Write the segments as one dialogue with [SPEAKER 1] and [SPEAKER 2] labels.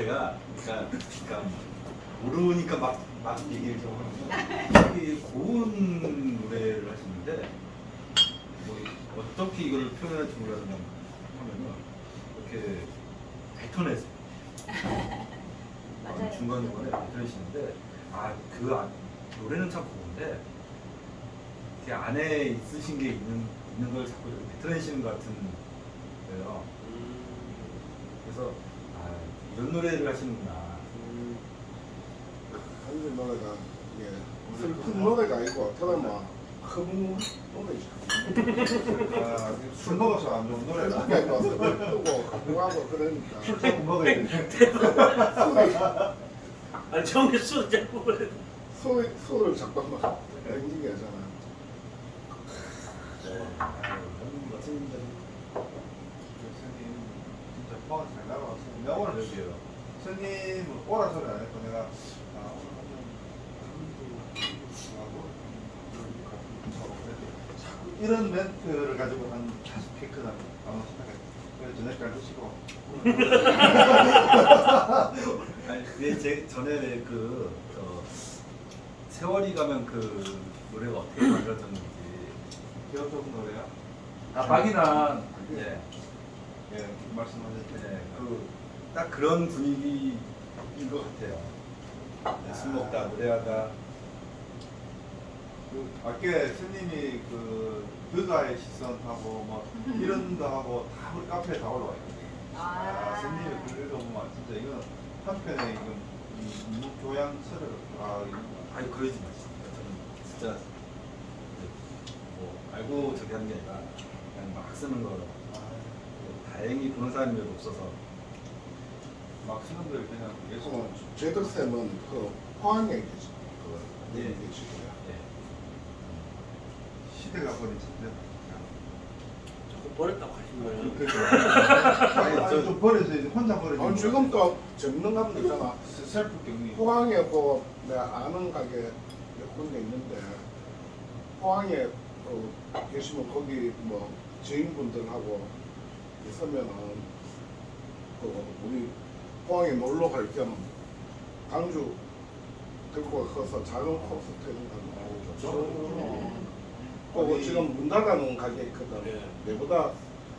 [SPEAKER 1] 제가 그러니까 모르니까 막 얘기를 좀 하는데 되게 고운 노래를 하시는데 뭐 어떻게 이걸 표현할지 몰라서 그냥 하면은 이렇게 뱉어내세요.
[SPEAKER 2] 맞아요.
[SPEAKER 1] 중간중간에 뱉어내시는데 노래는 참 고운데 그 안에 있으신 게 있는 걸 자꾸 이렇게 뱉어내시는 것 같은 거예요. 그래서 이런 노래를 하시는구나.
[SPEAKER 3] 한글 노래가 이게 슬픈 노래가 아니고 그나마 흠 노래죠.
[SPEAKER 4] 술 먹어서 안 좋은 노래다.
[SPEAKER 3] 그러니까 슬프고 흥하고 그러니까
[SPEAKER 4] 술 자꾸 먹어야 돼.
[SPEAKER 5] 아니 처음에 술 자꾸 그래.
[SPEAKER 3] 술을 자꾸 막 땡기게 하잖아.
[SPEAKER 1] 멋진
[SPEAKER 4] 스님 진짜 포항 잘 나가봤어요. 내가 오늘 여기에요. 스님은 오라 소리 안 했고 내가 이런 멘트를 가지고 한 5개 나 아마 시작해. 그래서 저녁까지 드시고.
[SPEAKER 1] 아니 근데 전에 세월이 가면 그 노래가 어떻게 만들어졌는지
[SPEAKER 4] 기억 좋은 노래야?
[SPEAKER 1] 박인환
[SPEAKER 4] 예. 예, 말씀하셨죠.
[SPEAKER 1] 딱 그런 분위기인 것 같아요. 술 먹다 노래하다
[SPEAKER 4] 아까 스님이 그 여가의 시선하고 뭐 이런 거 하고 다 우리 카페에 다 올라와 있거든요. 스님이 그거 보면 진짜 이건 한편에 이건 무교양처럼
[SPEAKER 1] 아니 그러지 마시고 저는 진짜 뭐 알고 저기 하는 게 아니라 그냥 막 쓰는 거 다행히 보는 사람이 별로 없어서
[SPEAKER 4] 막 쓰는 걸 그냥 예술
[SPEAKER 3] 제덕쌤은 그 포항에 계시죠.
[SPEAKER 1] 예.
[SPEAKER 3] 계시고요.
[SPEAKER 4] 시대가 버린 진짜.
[SPEAKER 5] 자꾸 버렸다고 하시면
[SPEAKER 4] 아니 좀 버려서 이제 혼자 버려지.
[SPEAKER 3] 아니 지금 또 전문 가면 되잖아.
[SPEAKER 4] 셀프 격리.
[SPEAKER 3] 포항에 그 내가 아는 가게 몇 군데 있는데 포항에 계시면 거기 뭐 지인분들하고 있으면은 우리 포항에 놀러 갈 겸 강주 들고 가서 작은 코스 트는다고. 그리고 지금 문 닫아놓은 가게 있거든.
[SPEAKER 5] 네.
[SPEAKER 3] 내보다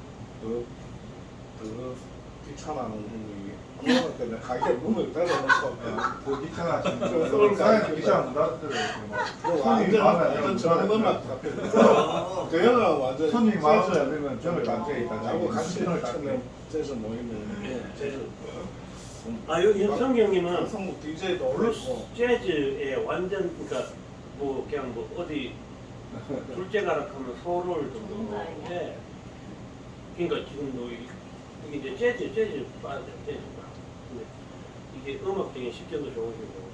[SPEAKER 3] 더 귀찮아하는 분이 코로나 때문에 가게 문을 닫아놓고
[SPEAKER 4] 그 귀찮아하시는
[SPEAKER 3] 저 서울
[SPEAKER 4] 분.
[SPEAKER 3] 가야
[SPEAKER 4] 사장님 귀찮아서 나들어요.
[SPEAKER 3] 완전 저음만 그 형은 완전
[SPEAKER 4] 손님이 많아서 안 되면 저를 단체에 있다.
[SPEAKER 3] 나하고 같이 처음에 재즈 모이면
[SPEAKER 5] 네.
[SPEAKER 3] 재즈
[SPEAKER 5] 현성 형님은
[SPEAKER 3] 성국 DJ도
[SPEAKER 5] 블루스
[SPEAKER 3] 올렸고
[SPEAKER 5] 재즈에 완전 그러니까 뭐 그냥 뭐 어디 둘째 가락하면 서울 정도. 예. 그러니까 지금 뭐 이게 이제 재즈 빠져 재즈 바. 근데 이게 음악적인 식견도 좋으시고.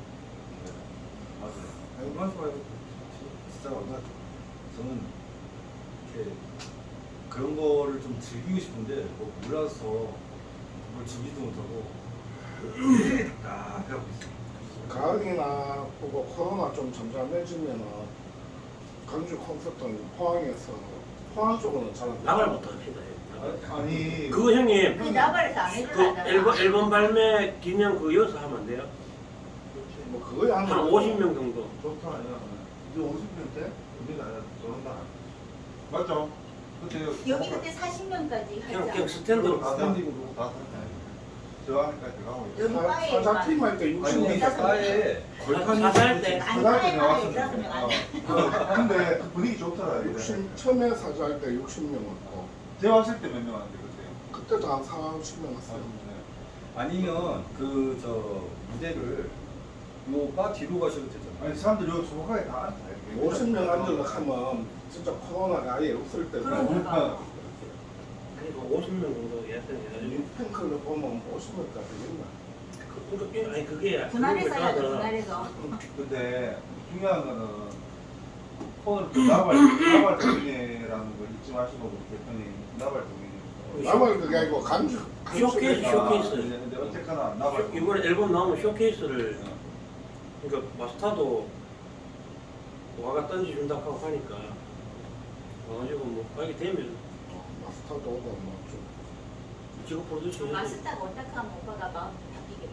[SPEAKER 1] 아니 그만 말고 진짜 얼마 저는 이렇게 그런 거를 좀 즐기고 싶은데 뭐 몰라서 뭘 즐기지도 못하고 되게 답답해하고 있어요.
[SPEAKER 3] 가을이나 그거 코로나 좀 잠잠해지면은 강주 콘서트는 포항 쪽으로는 잘 안 돼.
[SPEAKER 5] 나발 못 합시다.
[SPEAKER 4] 아니
[SPEAKER 5] 그거 형님
[SPEAKER 2] 그 나발에서 안
[SPEAKER 5] 그
[SPEAKER 2] 해주잖아.
[SPEAKER 5] 앨범 발매 기념 그 여기서 하면 안 돼요?
[SPEAKER 3] 뭐 그거에
[SPEAKER 5] 한 50명 정도.
[SPEAKER 4] 좋다 아니야. 이제 50년대 우리가 저런다. 맞죠? 그때
[SPEAKER 2] 여기 그때 40명까지
[SPEAKER 5] 그냥
[SPEAKER 2] 하자.
[SPEAKER 5] 스탠드로
[SPEAKER 4] 다
[SPEAKER 5] 가서.
[SPEAKER 4] 스탠딩으로 다 저 안에까지 가고 있어.
[SPEAKER 2] 여기 바에
[SPEAKER 3] 사자팀 할때
[SPEAKER 1] 아니
[SPEAKER 3] 60명
[SPEAKER 1] 우리 바에 걸판이
[SPEAKER 5] 사살 때.
[SPEAKER 2] 아니
[SPEAKER 4] 그날
[SPEAKER 2] 바에
[SPEAKER 4] 때
[SPEAKER 2] 바에
[SPEAKER 4] 나왔으면
[SPEAKER 2] 있었으면 안 돼.
[SPEAKER 4] 근데 그 분위기 좋더라. 이게.
[SPEAKER 3] 60 처음에 사자 할 때 60명 왔고
[SPEAKER 4] 제가 왔을 때 몇 명 왔는데 그때요?
[SPEAKER 3] 그때도 한 40명 왔어요.
[SPEAKER 1] 아니면 그 저 무대를 요 바 뒤로 가셔도 되잖아요.
[SPEAKER 4] 아니 사람들이 여기 소박하게 다 앉아. 이렇게.
[SPEAKER 3] 50명 앉으려고 하면 진짜 코로나가 아예 없을 때고
[SPEAKER 2] 그러니까.
[SPEAKER 5] 그래도 50명 정도 예약해가지고.
[SPEAKER 3] 팬클럽 보면 50명까지 있나?
[SPEAKER 5] 아니 그게
[SPEAKER 2] 분할해서 해야 돼.
[SPEAKER 5] 그거보다
[SPEAKER 2] 분할해서.
[SPEAKER 4] 근데 중요한 거는 오늘 그 나발 동인회라는 걸 잊지 마시고 우리 대표님 나발 동인회.
[SPEAKER 3] 나만 그게 아니고 강주
[SPEAKER 5] 쇼케이스.
[SPEAKER 4] 근데 어쨌거나 나발
[SPEAKER 5] 이번에 앨범 나오면 쇼케이스를 그러니까 마스터도 와가 던져준다고 하고 하니까 와가지고 뭐 하게 되면
[SPEAKER 3] 마스터도 오고 뭐좀
[SPEAKER 5] 직업 프로듀서 해야지.
[SPEAKER 2] 마스터가 어떻게 하면 오빠가 마음 바뀌겠어.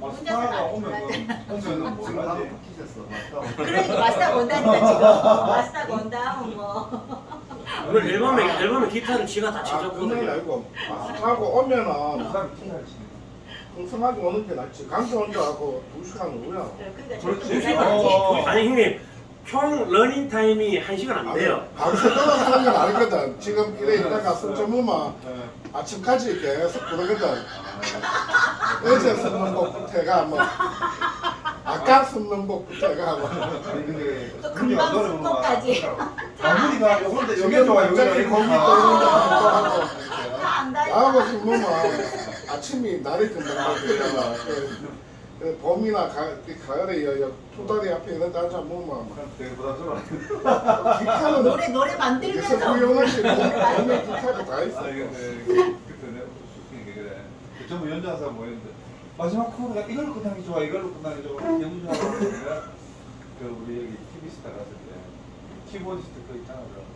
[SPEAKER 4] 마스터가 오면 오면은 뭘 하지?
[SPEAKER 2] 그러니까 마스터가 온다니까 지금. 마스터가 온다면 뭐.
[SPEAKER 5] 오늘 앨범에 기타를 지가 다
[SPEAKER 3] 아, 그건
[SPEAKER 5] 쳐줬거든요.
[SPEAKER 3] 아니고 하고 오면은
[SPEAKER 4] 사람 티잘 치네.
[SPEAKER 3] 흥성하게 오는 게 낫지. 강주 혼자 하고 2시간 후야.
[SPEAKER 2] 그러니까
[SPEAKER 4] 그렇지.
[SPEAKER 2] 저렇게
[SPEAKER 5] 시간
[SPEAKER 2] 해야지.
[SPEAKER 5] 아니 형님 총 러닝 타임이 1시간 안 돼요.
[SPEAKER 3] 밤새 떨어지는 건 알거든. 지금 이래 있다가 승점무만
[SPEAKER 4] 네.
[SPEAKER 3] 아침까지 계속 그러거든. 어제 쓰는 곡부터 해가 뭐 아까 쓰는 곡부터 해가 뭐
[SPEAKER 4] 아니 근데
[SPEAKER 2] 또
[SPEAKER 4] 분위기가
[SPEAKER 2] 금방
[SPEAKER 4] 노래 보면
[SPEAKER 2] 숙고까지.
[SPEAKER 4] 아무리가 요건데
[SPEAKER 3] 지금
[SPEAKER 4] 요게 좋아
[SPEAKER 3] 갑자기
[SPEAKER 4] 요게
[SPEAKER 3] 거기 또
[SPEAKER 4] 좋아.
[SPEAKER 3] 이런 거 하고
[SPEAKER 2] 안
[SPEAKER 3] 나하고
[SPEAKER 2] 다니까.
[SPEAKER 3] 쓰면 아침이 날이 금방 바뀌잖아. 그 봄이나 가을에 토다리 앞에 이런 데 앉아 먹으면
[SPEAKER 4] 되게 부담스러워.
[SPEAKER 3] 기타는
[SPEAKER 2] 노래
[SPEAKER 3] 그래서
[SPEAKER 2] 만들면서.
[SPEAKER 3] 구형하시 몸에 기타가 다 있어.
[SPEAKER 4] 아 이게 그때 내가 웃긴 게 그래. 전부 연주하사 모였는데 마지막 코드가 이걸로 끝나는 게 좋아 이걸로 끝나는 게 좋아 연주하고 내가 그 우리 여기 TV 스타 갔을 때 키보디스트 그 있잖아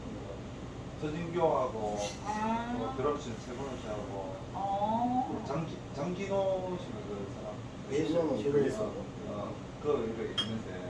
[SPEAKER 4] 서진교하고 드럼 치는 세번호 씨하고 장진호 씨가 그 사람
[SPEAKER 3] 지금은 있어.
[SPEAKER 4] 그거 이렇게 있는데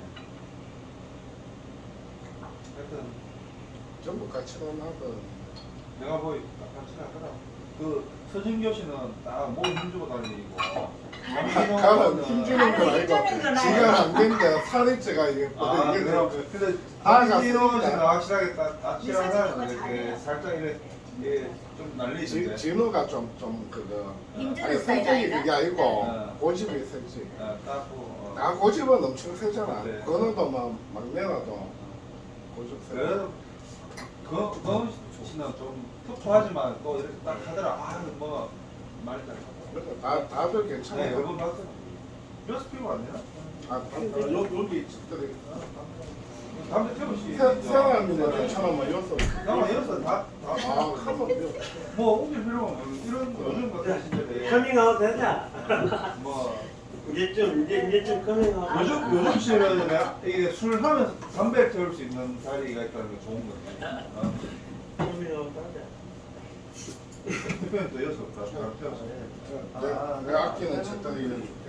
[SPEAKER 4] 하여튼
[SPEAKER 3] 전부 같이 하고
[SPEAKER 4] 내가 뭐 같이 하더라. 그 서진교 씨는 딱 몸 힘주고 다니고
[SPEAKER 3] 가면 힘주는 건 아니고 지가 안 된데 살이 찌가 이게
[SPEAKER 4] 아,
[SPEAKER 3] 이게
[SPEAKER 4] 그래요?
[SPEAKER 3] 좀
[SPEAKER 4] 근데
[SPEAKER 3] 아,
[SPEAKER 4] 장진호
[SPEAKER 3] 맞습니다.
[SPEAKER 4] 씨는 확실하게 딱
[SPEAKER 2] 이 사진은
[SPEAKER 4] 확실하게 이렇게
[SPEAKER 2] 잘해요.
[SPEAKER 4] 살짝 이렇게 좀 날리던데.
[SPEAKER 3] 진호가 좀 그거
[SPEAKER 2] 힘주는
[SPEAKER 3] 아니
[SPEAKER 2] 스타일
[SPEAKER 3] 성격이
[SPEAKER 2] 아이가?
[SPEAKER 3] 그게 아니고
[SPEAKER 4] 네.
[SPEAKER 3] 고집이 세지.
[SPEAKER 4] 딱
[SPEAKER 3] 아 고집은 엄청 세잖아.
[SPEAKER 4] 네.
[SPEAKER 3] 그거도 막 막내라도 고집 세.
[SPEAKER 4] 그래도 그 씨는 좀 터프하지만 또 이렇게 딱 하더라. 아뭐 말잘
[SPEAKER 3] 그러니까 다들
[SPEAKER 4] 네,
[SPEAKER 3] 괜찮아요.
[SPEAKER 4] 여러분 봤어. 몇 피고 안 되나?
[SPEAKER 3] 여기 집들이
[SPEAKER 4] 담배 태우시.
[SPEAKER 3] 세아님은 괜찮으면 여섯.
[SPEAKER 4] 나만 여기서 다.
[SPEAKER 3] 아 카면
[SPEAKER 4] 뭐 옮길 필요가 없는 이런 거 요즘 같은 시절에
[SPEAKER 5] 커밍아웃 되자.
[SPEAKER 4] 뭐
[SPEAKER 5] 이제좀 커밍아웃.
[SPEAKER 4] 요즘 시절에 내가 이게 술 하면서 담배 태울 수 있는 자리가 있다는 게 좋은 거지.
[SPEAKER 5] 커밍아웃 하자.
[SPEAKER 4] 대표님 또 여섯 다 사람 태워서.
[SPEAKER 3] 내 아끼는 책단이 해줄게.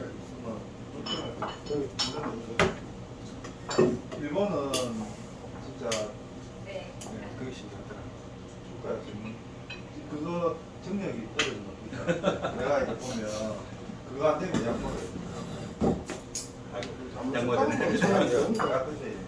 [SPEAKER 4] 일본은 진짜
[SPEAKER 2] 네.
[SPEAKER 4] 그게 신기하더라. 주가가 지금 그거 정력이 떨어지는 거. 내가 이제 보면 그거 안 되면 약 먹어요.
[SPEAKER 1] 약 먹어야 되네.
[SPEAKER 4] 같은데.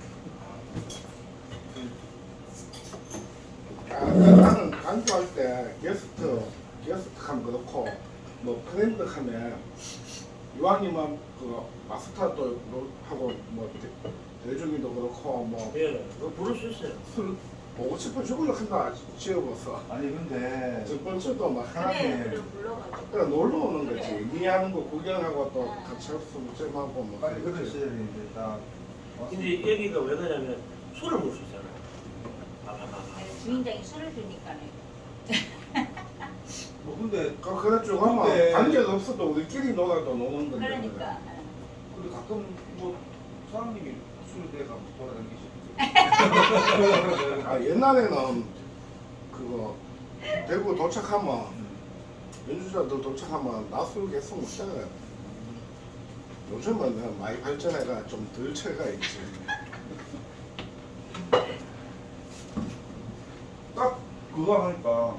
[SPEAKER 3] 나는 강조할 때 게스트 하면 그렇고 뭐 프렌드 하면 이왕이면 그 마스터도 하고 뭐 대중이도 그렇고 뭐
[SPEAKER 5] 예, 그거 부를 수 있어요.
[SPEAKER 3] 술 보고 싶어 죽으려 한다 지어봤어.
[SPEAKER 4] 아니 근데
[SPEAKER 3] 첫 번째도 막
[SPEAKER 2] 그래,
[SPEAKER 3] 하나님
[SPEAKER 2] 그래 불러가지고.
[SPEAKER 3] 그래 놀러 오는 거지. 니 하는 거 구경하고 또 같이 할수 잼하고 뭐
[SPEAKER 4] 빨리 그런
[SPEAKER 3] 그러지.
[SPEAKER 4] 시절이 이제 딱
[SPEAKER 5] 근데 여기가 왜 그러냐면 술을 먹을 수 있잖아요. 봐봐.
[SPEAKER 2] 주인장이 술을 주니까는.
[SPEAKER 4] 뭐 근데
[SPEAKER 3] 그래 쭉 하면
[SPEAKER 4] 근데-
[SPEAKER 3] 관계가 없어도 우리끼리 놀아도 노는 건데.
[SPEAKER 2] 그러니까.
[SPEAKER 4] 근데 가끔 뭐 사장님이 술 대가 돌아다니시고
[SPEAKER 3] 아 옛날에는 그거 대구 도착하면 연주자들 도착하면 낮술 계속 먹잖아요. 요즘은 많이 발전해가 좀 덜 채가 있지.
[SPEAKER 4] 딱 그거 하니까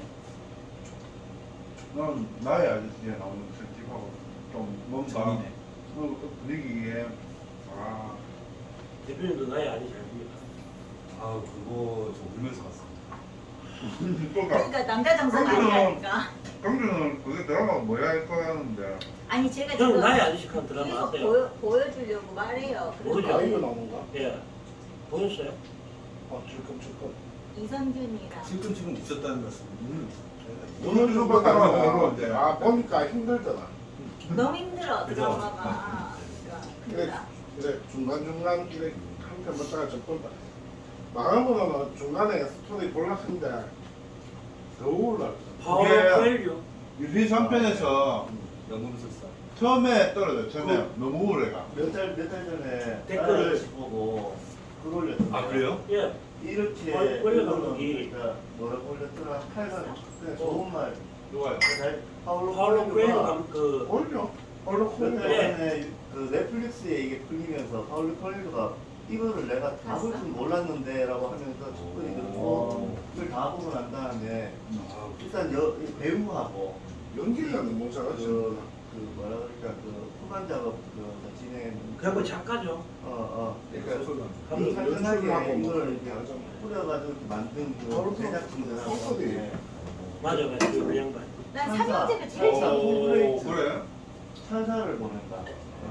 [SPEAKER 4] 난 나의 아저씨에 나오는 그 집하고 좀 뭔가
[SPEAKER 1] 재미네.
[SPEAKER 4] 그 분위기에 아
[SPEAKER 5] 대표님도 나이 아니 잘 봅니다.
[SPEAKER 1] 아 그거 저 울면서 봤어.
[SPEAKER 4] 그러니까
[SPEAKER 2] 그러니까 남자 정서가 아니라니까.
[SPEAKER 4] 강준은 그게 드라마가 뭐야 할까 하는데
[SPEAKER 2] 아니 제가
[SPEAKER 5] 형
[SPEAKER 2] 지금
[SPEAKER 5] 나이 아저씨한 드라마
[SPEAKER 2] 계속
[SPEAKER 5] 아세요?
[SPEAKER 2] 보여주려고 말해요. 그래서
[SPEAKER 5] 모르죠.
[SPEAKER 3] 아이유 나오는가?
[SPEAKER 5] 예. 보셨어요?
[SPEAKER 3] 질끔질끔.
[SPEAKER 2] 이선균이랑
[SPEAKER 1] 지금 있었다는 말씀.
[SPEAKER 4] 오늘 좀 봤다가
[SPEAKER 3] 아,
[SPEAKER 4] 이제
[SPEAKER 3] 아 보니까 힘들더라.
[SPEAKER 2] 너무 힘들어
[SPEAKER 1] 그죠?
[SPEAKER 2] 드라마가.
[SPEAKER 3] 그래
[SPEAKER 2] 그러니까
[SPEAKER 3] 그래 중간 이래 한편 보다가 좀 본다. 마감은 중간에 스토리 볼락한데 더 우울라.
[SPEAKER 5] 파워
[SPEAKER 4] 예.
[SPEAKER 5] 코엘류.
[SPEAKER 4] 유리 3편에서
[SPEAKER 1] 연금술사.
[SPEAKER 4] 처음에 떨어져 처음에 너무 우울해가
[SPEAKER 6] 몇 달 전에
[SPEAKER 5] 댓글을
[SPEAKER 6] 딸을 보고 그걸 올렸던데.
[SPEAKER 1] 아 그래요?
[SPEAKER 5] 예.
[SPEAKER 6] 이렇게
[SPEAKER 5] 원래 감독이
[SPEAKER 6] 그러니까 뭐라고 올렸더라. 칼간 그냥 좋은 말.
[SPEAKER 4] 누가요?
[SPEAKER 6] 잘 파울로
[SPEAKER 5] 파울로 코엘류
[SPEAKER 6] 코엘류가
[SPEAKER 5] 그
[SPEAKER 3] 올려. 얼른
[SPEAKER 6] 몇
[SPEAKER 3] 코일로.
[SPEAKER 6] 달 전에 그 넷플릭스에 이게 풀리면서 파울로 코엘료가 이거를 내가 다 볼 줄 몰랐는데라고 하면서 첫번에 그걸 다 보고 난 다음에 일단 배우하고
[SPEAKER 3] 연기가 너무 잘하지.
[SPEAKER 6] 그 뭐라 그럴까 그 후반 작업 그 진행했는데
[SPEAKER 5] 그냥 뭐 작가죠.
[SPEAKER 6] 그러니까
[SPEAKER 1] 소설.
[SPEAKER 3] 연출하고 뭐
[SPEAKER 6] 이걸
[SPEAKER 3] 그렇게 하죠.
[SPEAKER 6] 뿌려가지고 이렇게 만든
[SPEAKER 3] 바로
[SPEAKER 6] 그 제작진들하고
[SPEAKER 3] 소설이.
[SPEAKER 5] 맞아, 맞아. 그 양반.
[SPEAKER 2] 난
[SPEAKER 6] 천사.
[SPEAKER 2] 삼형제가 제일
[SPEAKER 4] 오,
[SPEAKER 2] 재밌는
[SPEAKER 4] 그래?
[SPEAKER 6] 천사를 보낸다.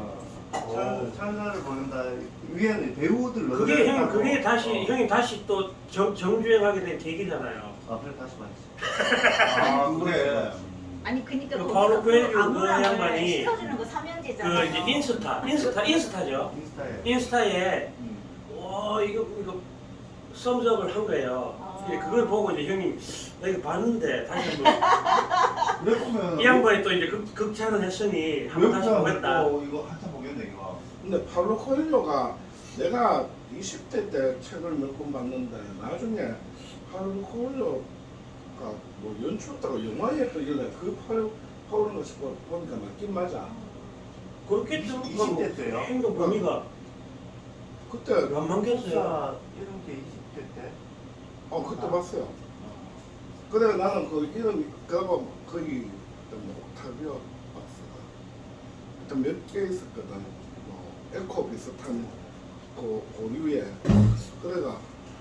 [SPEAKER 6] 천사를 보낸다. 위에는 배우들
[SPEAKER 5] 그게 형,
[SPEAKER 6] 넣어놨다고.
[SPEAKER 5] 그게 다시 형이 다시 또 정주행하게 된 계기잖아요.
[SPEAKER 6] 그래 다시 봤지.
[SPEAKER 4] 아, 그래.
[SPEAKER 2] 아니 그니까
[SPEAKER 5] 그
[SPEAKER 2] 거기서
[SPEAKER 5] 파울로 코엘료 그
[SPEAKER 2] 아무랑을
[SPEAKER 5] 양반이
[SPEAKER 2] 씻어주는 거
[SPEAKER 5] 그
[SPEAKER 2] 삼형제잖아요.
[SPEAKER 5] 이제 인스타죠.
[SPEAKER 6] 인스타에.
[SPEAKER 5] 인스타에
[SPEAKER 6] 음.
[SPEAKER 5] 와 이거 썸즈업을 한 거예요. 이제 그걸 보고 이제 형님 나 이거 봤는데 다시 한번
[SPEAKER 4] 그래 보면
[SPEAKER 5] 이 양반이 또 이제 극찬을 했으니 한번 다시 보겠다.
[SPEAKER 4] 이거 한참 보겠네 이거.
[SPEAKER 3] 근데 파울로 코일로가 내가 20대 때 책을 몇 권 봤는데 나중에 파울로 코일로가 뭐 연출했다가 영화에 뜨길래 그 파울로 보니까 맞긴 맞아.
[SPEAKER 5] 그렇겠죠.
[SPEAKER 6] 20대 때요?
[SPEAKER 5] 행동 범위가
[SPEAKER 3] 그때
[SPEAKER 5] 안 만겼어요.
[SPEAKER 6] 역사 이런 게 20대 때.
[SPEAKER 3] 그때 봤어요. 그래 나는 그 이름 그거 거기 뭐 옥타비오 박스가 일단 몇 개 있었거든. 뭐 에코 비슷한 그 고류에 그래가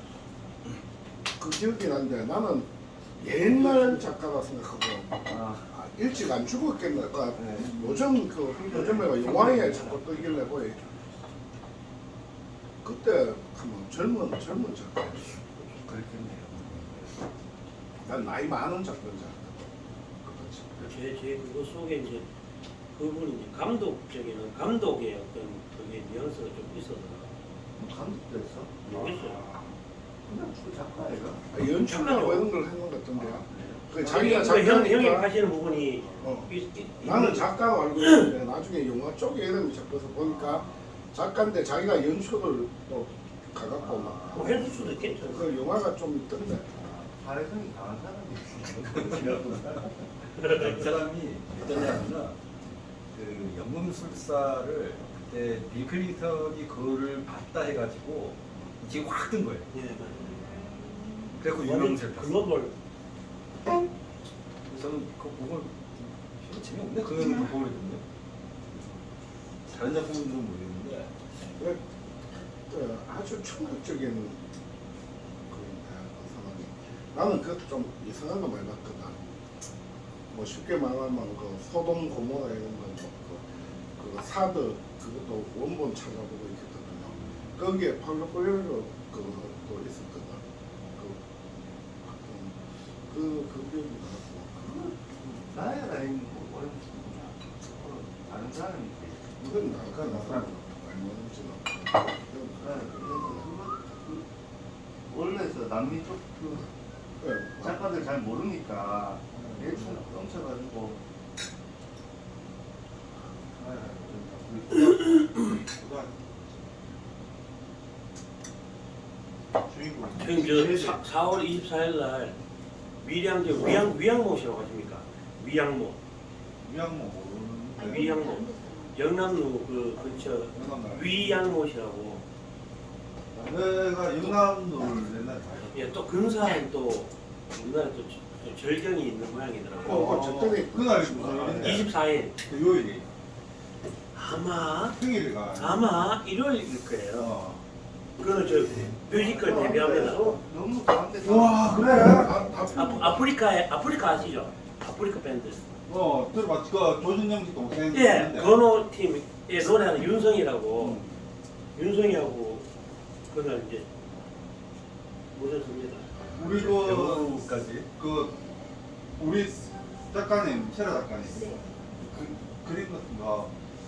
[SPEAKER 3] 그 기억이 나는데 나는 옛날 작가라 생각하고 일찍 안 죽었겠네.
[SPEAKER 6] 네.
[SPEAKER 3] 요즘 요즘에 영화에 자꾸 뜨길래 보이. 그때 하면 젊은 작가.
[SPEAKER 6] 그렇겠네요.
[SPEAKER 3] 난 나이 많은 작가인 줄 알았거든.
[SPEAKER 5] 제 그거 속에 이제 그분이 이제 감독의 어떤 그게 뉘앙스가 좀 있어서
[SPEAKER 6] 감독도 했어?
[SPEAKER 5] 모르겠어요.
[SPEAKER 6] 그냥 주 작가애가.
[SPEAKER 3] 연출하고 이런 걸 했는 것 같던데요. 그
[SPEAKER 5] 아니,
[SPEAKER 3] 자기가
[SPEAKER 5] 그러니까 형이
[SPEAKER 3] 작가니까
[SPEAKER 5] 하시는 부분이
[SPEAKER 3] 어.
[SPEAKER 5] 있-
[SPEAKER 3] 나는 작가가 알고 있는데 나중에 영화 쪽에 이름이 잡혀서 보니까 작가인데 자기가 연출을 또 가갖고 막
[SPEAKER 5] 뭐 했을 수도 있겠죠.
[SPEAKER 3] 그 영화가 좀 있던데.
[SPEAKER 6] 사회성이 강한 사람이
[SPEAKER 1] 그 사람이 어떠냐면은 그 연금술사를 그때 빌 클린턴이 그거를 봤다 해가지고 지금 확 뜬 거예요.
[SPEAKER 5] 예, 맞아요.
[SPEAKER 1] 그래서 유명세를 탔어요.
[SPEAKER 5] 글로벌
[SPEAKER 1] 저는 그거 보고 재미없네. 그 영화도 보고 그랬는데 다른 작품들은 모르겠는데
[SPEAKER 3] 그래, 그 아주 충격적인 그 사람이. 나는 그것도 좀 이상한 거 많이 봤거든. 뭐 쉽게 말하면 그 소돔 고모라 이런 거, 그 사드 그것도 원본 찾아보고 있었거든요. 거기에 파울로 코엘료 그것도 있었거든. 그 기억이 나고.
[SPEAKER 6] 나이가 아닌 다른 사람이
[SPEAKER 3] 이건 나가 나가 알모는지는.
[SPEAKER 6] 원래서 남미 쪽 그
[SPEAKER 3] 네,
[SPEAKER 6] 작가들 잘 모르니까 대충 넘쳐가지고
[SPEAKER 4] 주인공.
[SPEAKER 5] 지금 저 4월 24일 날 위양모시라고 하십니까? 위양모
[SPEAKER 4] 모르는데.
[SPEAKER 5] 위양모 영남로 그 근처 위양모시라고.
[SPEAKER 4] 내가 영남도를 옛날에 봤어.
[SPEAKER 5] 예, 또 근사한 또 우리나라 또 절경이 있는 모양이더라고요.
[SPEAKER 3] 저때는
[SPEAKER 4] 그날 무슨 일인데?
[SPEAKER 5] 24일
[SPEAKER 4] 그 요일이
[SPEAKER 5] 아마
[SPEAKER 4] 평일이가.
[SPEAKER 5] 일요일일 거예요.
[SPEAKER 4] 어.
[SPEAKER 5] 그거는 저 뮤지컬 데뷔합니다.
[SPEAKER 6] 너무 가운데
[SPEAKER 4] 와 그래?
[SPEAKER 5] 아프리카 아시죠? 아프리카 밴드.
[SPEAKER 4] 들어봤지. 그 조준영 씨 동생.
[SPEAKER 5] 예,
[SPEAKER 4] 있는데.
[SPEAKER 5] 건호 팀에 노래하는 윤성이라고 윤성이하고 그날 이제 모셨습니다.
[SPEAKER 4] 우리
[SPEAKER 1] 영화까지
[SPEAKER 4] 우리 작가님, 세라 작가님.
[SPEAKER 2] 네.
[SPEAKER 4] 그림 같은 거.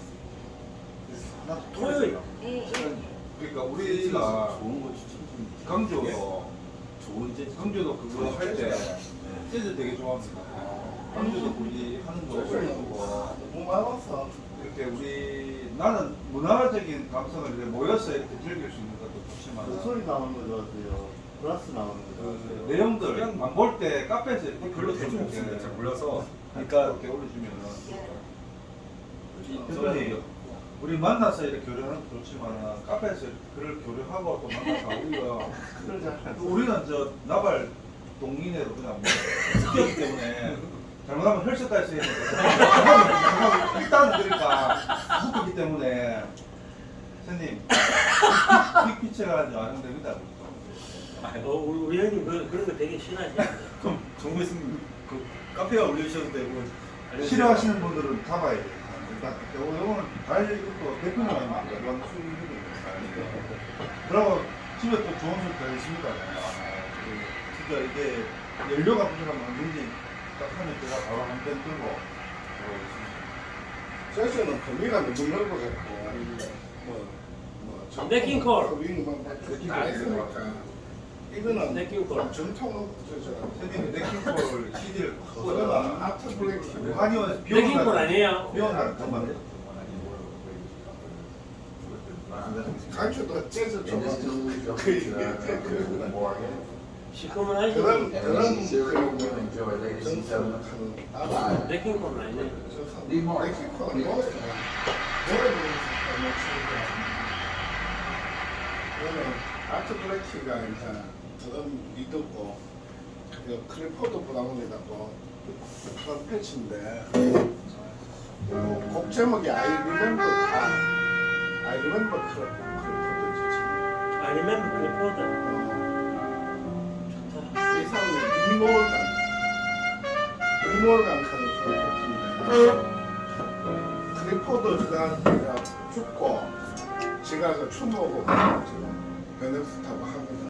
[SPEAKER 4] 하나
[SPEAKER 5] 토요일.
[SPEAKER 2] 예, 예.
[SPEAKER 4] 그러니까 우리가
[SPEAKER 1] 좋은 거 추천 좀
[SPEAKER 4] 강조도
[SPEAKER 1] 좋은 재즈
[SPEAKER 4] 강조도 그거 할 때 재즈 되게 좋아합니다. 강조도 우리 하는 거 보고
[SPEAKER 3] 너무 많았어.
[SPEAKER 4] 이렇게 나는 문화적인 감성을 이렇게 모여서 이렇게 즐길 수 있는 것도
[SPEAKER 6] 그
[SPEAKER 4] 좋지만
[SPEAKER 6] 소리 나오는 거 좋았어요. 플러스 나오는 거 좋았어요.
[SPEAKER 4] 내용들 안 볼 때 카페에서 이렇게
[SPEAKER 1] 별로 대중
[SPEAKER 4] 이렇게
[SPEAKER 1] 없습니다. 잘 몰라서 그러니까
[SPEAKER 4] 이렇게 올려주면은 특별히 우리 만나서 이렇게 교류하는 것도 좋지만 카페에서 그를 교류하고 또 만나서 우리는 저 나발 동인회로 그냥 뭐 뛰었기 때문에 잘못하면 혈색까지 있는데 일단은 그러니까 묶었기 때문에 선생님 빅피처가 완성됩니다.
[SPEAKER 5] 우리 형님 그런 거 되게 싫어하지.
[SPEAKER 1] 그럼 정부 있으면 그 카페에 올려주셔도 되고
[SPEAKER 4] 싫어하시는 분들은 잡아야 돼요. 일단 요거는 달 이것도 대표님 아닙니까? 이건 수익이거든요. 그리고 집에 또 좋은 소리 다 있습니다. 진짜 이게 연료가 부족하면 언제든지 딱 하면 제가 바로 한 번 들고
[SPEAKER 3] 세션은 범위가 너무 넓어졌고
[SPEAKER 5] 네킹콜.
[SPEAKER 3] 다 있으니까 이거는
[SPEAKER 5] 네킹콜.
[SPEAKER 3] 전통
[SPEAKER 4] 선생님이 네킹콜 CD를
[SPEAKER 3] 그거는 아트 블랙
[SPEAKER 4] 한의원
[SPEAKER 5] 네킹콜 아니에요?
[SPEAKER 4] 비원을 잠깐만요.
[SPEAKER 3] 간주도 재즈 좀
[SPEAKER 5] 시커먼 하지.
[SPEAKER 3] 그런
[SPEAKER 5] 네킹콜은 아니네.
[SPEAKER 3] 레키콘은 노래 그거는 아트 블랙키가 이제 그런 리더고 클리포드 브라운이라고 그런 패치인데 곡 제목이 I Remember 클리포드지.
[SPEAKER 5] I remember 클리포드.
[SPEAKER 3] 이 사람은 리몰간 하는 프로젝트인데 클리포드가 죽고 지가 그 추모고 지금 베네스타고 하거든.